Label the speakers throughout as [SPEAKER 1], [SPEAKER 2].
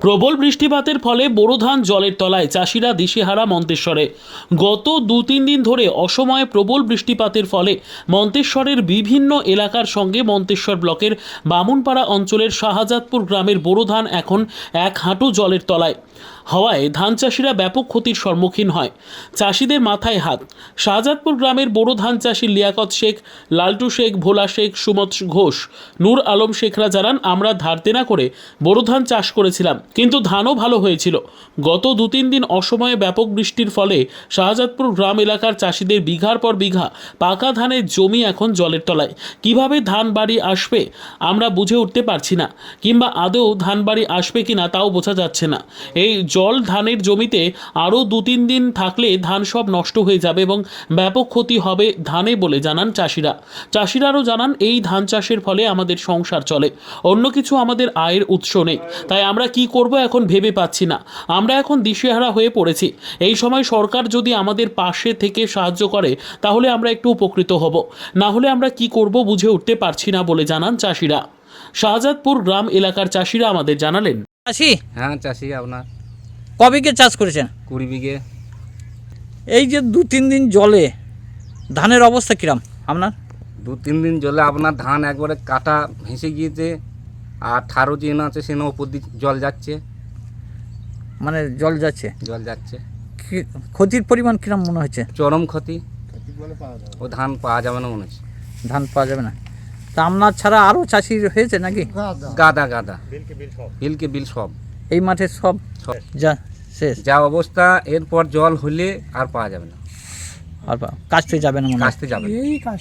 [SPEAKER 1] প্রবল বৃষ্টিপাতের ফলে বোরো ধান জলের তলায়, চাষিরা দিশেহারা মন্তেশ্বরে। গত 2-3 দিন ধরে অসময়ে প্রবল বৃষ্টিপাতের ফলে মন্তেশ্বরের বিভিন্ন এলাকার সঙ্গে মন্তেশ্বর ব্লকের বামুনপাড়া অঞ্চলের শাহজাদপুর গ্রামের বোরো ধান এখন 1 হাঁটু জলের তলায়। হওয়ায় ধান চাষিরা ব্যাপক ক্ষতির সম্মুখীন হয়। চাষিদের মাথায় হাত। শাহজাদপুর গ্রামের বোরো ধান চাষি লিয়াকত শেখ, লালটু শেখ, ভোলা শেখ, সুমত ঘোষ, নূর আলম শেখরা জানান, আমরা ধার দেনা করে বোরো ধান চাষ করেছিলাম, কিন্তু ধানও ভালো হয়েছিল। গত 2-3 দিন অসময়ে ব্যাপক বৃষ্টির ফলে শাহজাদপুর গ্রাম এলাকার চাষিদের বিঘার পর বিঘা পাকা ধানের জমি এখন জলের তলায়। কিভাবে ধান বাড়ি আসবে আমরা বুঝে উঠতে পারছি না, কিংবা আদৌ ধান বাড়ি আসবে কিনা তাও বোঝা যাচ্ছে না। এই জল ধানের জমিতে আরও 2-3 দিন থাকলে ধান সব নষ্ট হয়ে যাবে এবং ব্যাপক ক্ষতি হবে ধানে বলে জানান চাষিরা। চাষিরা আরও জানান, এই ধান চাষের ফলে আমাদের সংসার চলে, অন্য কিছু আমাদের আয়ের উৎস নেই। তাই আমরা কি করব এখন ভেবে পাচ্ছি না। আমরা এখন দিশেহারা হয়ে পড়েছি। এই সময় সরকার যদি আমাদের পাশে থেকে সাহায্য করে তাহলে আমরা একটু উপকৃত হব, না হলে আমরা কি করব বুঝে উঠতে পারছি না বলে জানান চাষিরা। শাহজাদপুর গ্রাম এলাকার চাষিরা আমাদের জানালেন।
[SPEAKER 2] চাষি?
[SPEAKER 3] হ্যাঁ চাষি। আপনার
[SPEAKER 2] ক বিঘে চাষ করেছেন?
[SPEAKER 3] 20 বিঘে।
[SPEAKER 2] এই যে 2-3 দিন জলে ধানের অবস্থা কিরাম আপনার?
[SPEAKER 3] 2-3 দিন জলে আপনার ধান একবারে কাটা ভেসে গিয়েছে, আর 18 চেন আছে সেন ওপর দিয়ে জল যাচ্ছে।
[SPEAKER 2] মানে জল যাচ্ছে?
[SPEAKER 3] জল যাচ্ছে।
[SPEAKER 2] ক্ষতির পরিমাণ কিরাম মনে হচ্ছে?
[SPEAKER 3] চরম ক্ষতি। ও ধান পাওয়া যাবে না মনে হচ্ছে।
[SPEAKER 2] ধান পাওয়া যাবে না? তা আপনার ছাড়া আরও চাষি হয়েছে নাকি?
[SPEAKER 3] গাদা গাদা, বিলকে বিল সব।
[SPEAKER 2] এই মাঠে সব যা শেষ,
[SPEAKER 3] যা অবস্থা। এরপর জল হলে আর পাওয়া যাবে না,
[SPEAKER 2] আর কাজতে যাবে না মনে হয়?
[SPEAKER 3] কাজতে যাবে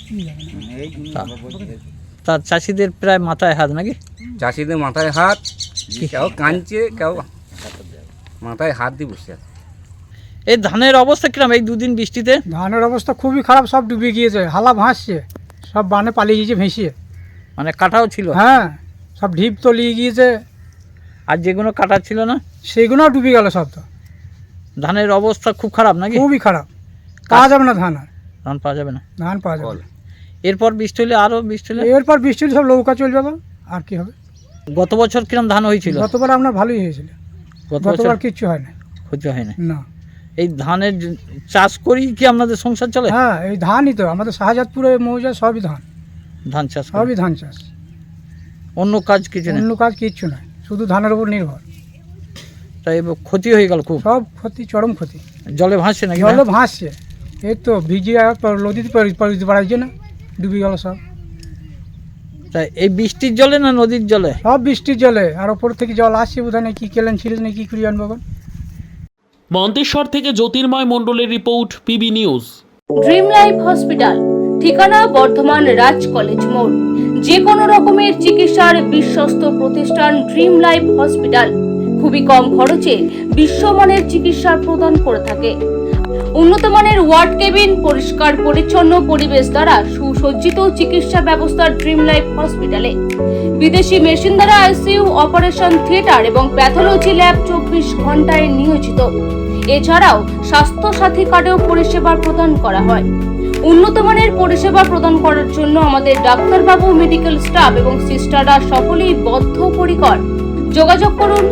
[SPEAKER 2] তা চাষিদের প্রায় মাথায় হাত নাকি?
[SPEAKER 3] চাষিদের মাথায় হাত। কেউ কাঁদছে, কেউ মাথায় হাত দিয়ে বসে আছে।
[SPEAKER 2] এই ধানের অবস্থা কিরাম এই 2 দিন বৃষ্টিতে?
[SPEAKER 4] ধানের অবস্থা খুবই খারাপ, সব ডুবে গিয়েছে, হালা ভাসছে, সব বানে পালিয়ে গিয়েছে ভেসিয়ে।
[SPEAKER 2] মানে কাটাও ছিল?
[SPEAKER 4] হ্যাঁ, সব ঢিপ তলিয়ে গিয়েছে।
[SPEAKER 2] আর যেগুলো কাটা ছিল না
[SPEAKER 4] সেগুলোও ডুবে গেল সব। তো
[SPEAKER 2] ধানের অবস্থা খুব খারাপ নাকি?
[SPEAKER 4] খুবই খারাপ, পাওয়া যাবে না ধান। আর
[SPEAKER 2] ধান পাওয়া যাবে না?
[SPEAKER 4] ধান পাওয়া যাবে না।
[SPEAKER 2] এরপর বৃষ্টি হলে আরও বৃষ্টি হলে?
[SPEAKER 4] এরপর বৃষ্টি হলে সব নৌকা চলে যাবে, আর কি হবে।
[SPEAKER 2] গত বছর কিরম ধান হয়েছিল?
[SPEAKER 4] গতবার আপনার ভালোই হয়েছিল, গতবার কিচ্ছু হয় না।
[SPEAKER 2] ক্ষতি হয় না?
[SPEAKER 4] না।
[SPEAKER 2] এই ধানের চাষ করি কি আপনাদের সংসার চলে?
[SPEAKER 4] হ্যাঁ, এই ধানই তো আমাদের শাহজাদপুরে মৌজা, সবই ধান।
[SPEAKER 2] ধান চাষ করেন?
[SPEAKER 4] সবই ধান চাষ,
[SPEAKER 2] অন্য কাজ কিছু নেই?
[SPEAKER 4] অন্য কাজ কিচ্ছু নয়, শুধু ধানের উপর নির্ভর।
[SPEAKER 2] তাই এবার ক্ষতি হয়ে গেল খুব?
[SPEAKER 4] সব ক্ষতি, চরম ক্ষতি।
[SPEAKER 2] জলে ভাসছে নাকি?
[SPEAKER 4] জলে ভাসছে, এই তো ভিজে নদীতে বাড়াইছে না, ডুবে গেল সব।
[SPEAKER 2] তাই এই বৃষ্টির জলে না নদীর জলে?
[SPEAKER 4] সব বৃষ্টির জলে, আর ওপর থেকে জল আসছে, বোধহয় না কি কেলেন ছিলেন না কি করে আনবো।
[SPEAKER 1] মন্তেশ্বর থেকে জ্যোতির্ময় মণ্ডলের রিপোর্ট, PB news.
[SPEAKER 5] Dream life hospital, ঠিকানা বর্ধমান রাজ কলেজ মোড়। যে কোনো রকমের চিকিৎসার বিশ্বস্ত প্রতিষ্ঠান ড্রিম লাইফ হসপিটাল খুবই কম খরচে বিশ্বমানের চিকিৎসা প্রদান করে থাকে। উন্নত মানের ওয়ার্ড কেবিন, পরিষ্কার পরিচ্ছন্ন পরিবেশ দ্বারা সুসজ্জিত চিকিৎসা ব্যবস্থা ড্রিম লাইফ হসপিটালে। বিদেশি মেশিন দ্বারা আইসিইউ, অপারেশন থিয়েটার এবং প্যাথোলজি ল্যাব 24 ঘন্টায় নিয়োজিত। এছাড়াও স্বাস্থ্য সাথী কার্ডেও পরিষেবা প্রদান করা হয়। উন্নত মানের পরিষেবা প্রদান করার জন্য আমাদের ডাক্তারবাবু, মেডিকেল স্টাফ এবং সিস্টাররা সকলেই বদ্ধপরিকর। যোগাযোগ করুন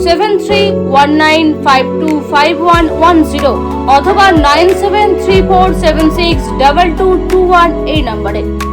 [SPEAKER 5] 7319525110 অথবা 9734762221 এই নম্বরে।